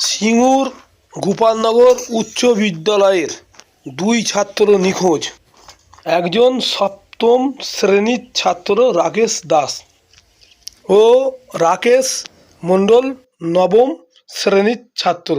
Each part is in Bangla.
সিঙ্গুর গোপালনগর উচ্চ বিদ্যালয়ের দুই ছাত্র নিখোঁজ। একজন সপ্তম শ্রেণীর ছাত্র রাকেশ দাস ও রাকেশ মণ্ডল নবম শ্রেণীর ছাত্র।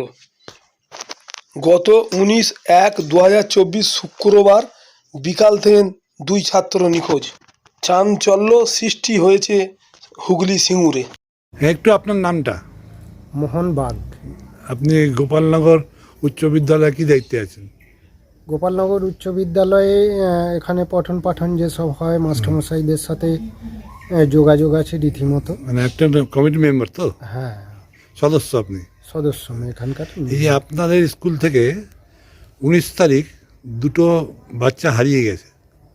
গত 19/1/2024 শুক্রবার বিকাল থেকে দুই ছাত্র নিখোঁজ। চাঞ্চল্য সৃষ্টি হয়েছে হুগলি সিঙ্গুরে। একটু আপনার নামটা? মোহন বাগ। আপনি গোপালনগর উচ্চ বিদ্যালয়ে কি দায়িত্বে আছেন? গোপালনগর উচ্চ বিদ্যালয়ে এখানে পঠন পাঠন যেসব হয় মাস্টারমশাইদের সাথে যোগাযোগ আছে রীতিমতো। মানে একটা কমিটি মেম্বার তো? হ্যাঁ, সদস্য আপনি? সদস্য আমি এখানকার। এই যে আপনাদের স্কুল থেকে 19 তারিখ দুটো বাচ্চা হারিয়ে গেছে।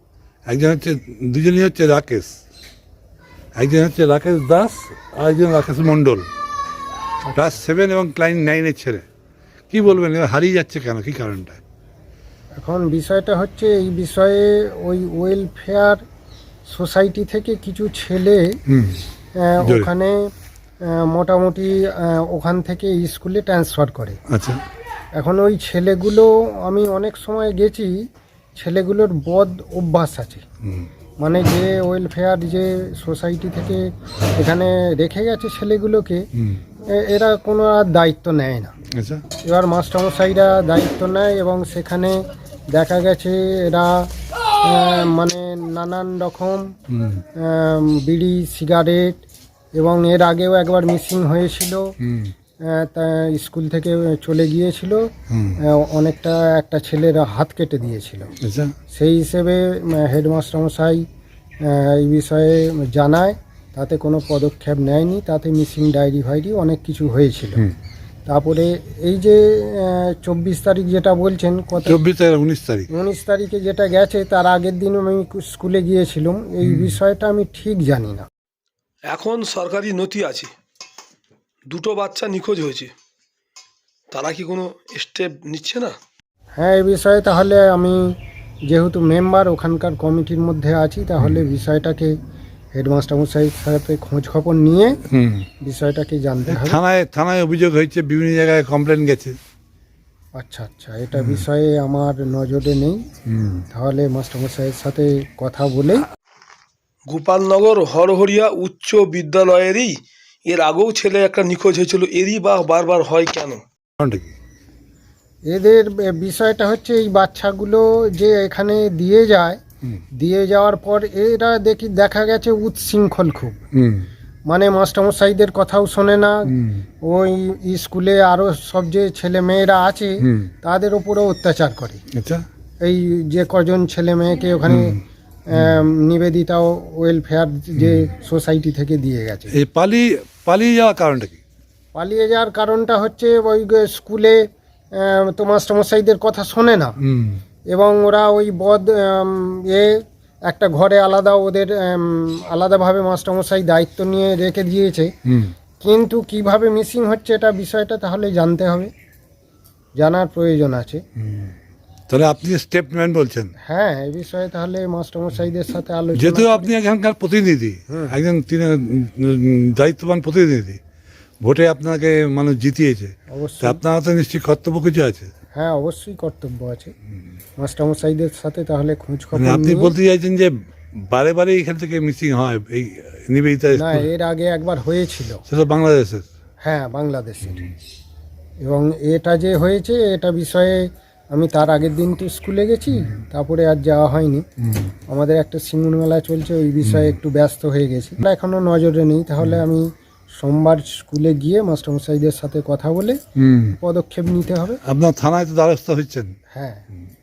দুজনই হচ্ছে রাকেশ, একজন হচ্ছে রাকেশ দাস আর একজন রাকেশ মণ্ডল, ক্লাস 7 এবং ক্লাস 9-এর ছেলে। কি বলবেন, এবার হারিয়ে যাচ্ছে কেন, কি কারণটা? এখন বিষয়টা হচ্ছে এই বিষয়ে ওই ওয়েলফেয়ার সোসাইটি থেকে কিছু ছেলে ওখানে মোটামুটি ওখান থেকে স্কুলে ট্রান্সফার করে। আচ্ছা। এখন ওই ছেলেগুলো, আমি অনেক সময় গেছি, ছেলেগুলোর বদ অভ্যাস আছে। মানে যে ওয়েলফেয়ার যে সোসাইটি থেকে এখানে রেখে গেছে ছেলেগুলোকে, এরা কোনো আর দায়িত্ব নেয় না। আচ্ছা। এবার মাস্টারমশাইরা দায়িত্ব নেয় এবং সেখানে দেখা গেছে এরা মানে নানান রকম বিড়ি সিগারেট, এবং এর আগেও একবার মিসিং হয়েছিল, তা স্কুল থেকে চলে গিয়েছিল, অনেকটা একটা ছেলের হাত কেটে দিয়েছিল। সেই হিসেবে হেডমাস্টারমশাই এই বিষয়ে জানায়, তাতে কোনো পদক্ষেপ নেয়নি, তাতে মিসিং ডায়েরি ফাইরি অনেক কিছু হয়েছিল। তারপরে এই যে 24 তারিখ যেটা বলছেন, কত 19 তারিখে যেটা গেছে, তার আগের দিন আমি স্কুলে গিয়েছিলাম, এই বিষয়টা আমি ঠিক জানি না। এখন সরকারি নথি আছে, দুটো বাচ্চা নিখোঁজ হয়েছে, তারা কি কোনো স্টেপ নিচ্ছে না? হ্যাঁ, এই বিষয়ে তাহলে আমি যেহেতু মেম্বার ওখানকার কমিটির মধ্যে আছি, তাহলে বিষয়টাকে হেডমাস্টারমশাইয়ের সাথে খোঁজ খবর নিয়ে বিষয়টাকে জানতে হবে। থানায় অভিযোগ হয়েছে, বিভিন্ন জায়গায় কমপ্লেন গেছে। আচ্ছা আচ্ছা, এটা বিষয়ে আমার নজরে নেই, তাহলে মাস্টারমশাইয়ের সাথে কথা বলে। গোপালনগর হরহরিয়া উচ্চ বিদ্যালয়েরই এর আগেও ছেলে একটা নিখোঁজ হয়েছিল, এরই বা বারবার হয় কেন? এদের বিষয়টা হচ্ছে এই বাচ্চাগুলো যে এখানে দিয়ে যাওয়ার পর এরা দেখা গেছে উচ্ছৃঙ্খল খুব, মানে মাস্টারমশাইদের কথাও শোনে না, ওই স্কুলে আরও সব যে ছেলে মেয়েরা আছে তাদের উপরও অত্যাচার করে। এই যে কজন ছেলে মেয়েকে ওখানে নিবেদিতা ওয়েলফেয়ার যে সোসাইটি থেকে দিয়ে গেছে। এই পালিয়ে যাওয়ার কারণটা কি? পালিয়ে যাওয়ার কারণটা হচ্ছে ওই স্কুলে তো মাস্টারমশাইদের কথা শোনে না, এবং ওরা ওই একটা ঘরে আলাদা ওদের আলাদাভাবে মাস্টারমশাই দায়িত্ব নিয়ে রেখে দিয়েছে, কিন্তু কিভাবে মিসিং হচ্ছে এটা বিষয়টা তাহলে জানতে হবে, জানার প্রয়োজন আছে। তাহলে আপনি স্টেপ নেন বলছেন? হ্যাঁ, এই বিষয়ে তাহলে মাস্টারমশাইদের সাথে আলোচনা। যেহেতু আপনি এখানকার প্রতিনিধি, একজন দায়িত্ববান প্রতিনিধি, ভোটে আপনাকে মানুষ জিতিয়েছে, অবশ্যই আপনার তো নিশ্চয়ই কর্তব্য কিছু আছে। হ্যাঁ, অবশ্যই কর্তব্য আছে মাস্টারমশাইদের সাথে তাহলে খোঁজ খবর। আপনি বলতে চাইছেন যে বারে বারে এখান থেকে মিসিং হয় এই নিবেদিতা? না, এর আগে একবার হয়েছিল, সেটা বাংলাদেশের। হ্যাঁ, বাংলাদেশের। এবং এটা যে হয়েছে এটা বিষয়ে আমি তার আগের দিন তো স্কুলে গেছি, তারপরে আর যাওয়া হয়নি, আমাদের একটা সিঙ্গুর মেলা চলছে, ওই বিষয়ে একটু ব্যস্ত হয়ে গেছি, এখনো নজরে নেই। তাহলে আমি সোমবার স্কুলে গিয়ে মাস্টারমশাইদের সাথে কথা বলে পদক্ষেপ নিতে হবে। আপনার থানায় তো দ্বারস্থ হচ্ছেন? হ্যাঁ।